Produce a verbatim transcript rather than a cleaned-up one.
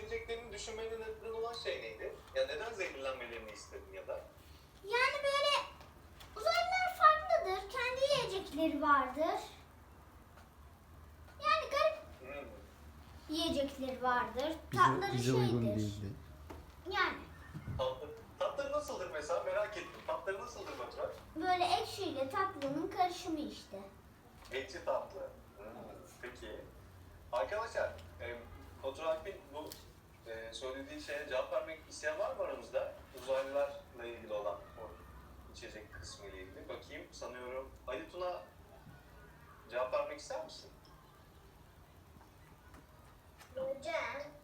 zehirleneceklerini düşünmenin neden olan şey neydi? Ya neden zehirlenmelerini istedin ya da? Yani böyle uzaylılar farklıdır. Kendi yiyecekleri vardır. Yani garip Hmm. yiyecekleri vardır. Bize, Tatları bize şeydir. uygun değildi. Yani Tatlı, tatları nasıldır mesela merak ettim. Tatları nasıldır Baturay? böyle ekşiyle tatlının karışımı işte. Ekşi tatlı. Hmm. Peki. Arkadaşlar, e, Baturay Alp'in bu e, söylediği şeye cevap vermek isteyen var mı aramızda? Uzaylılarla ilgili olan o içecek kısmı ile ilgili. Bakayım sanıyorum. Ali Tuna cevap vermek ister misin? Hocam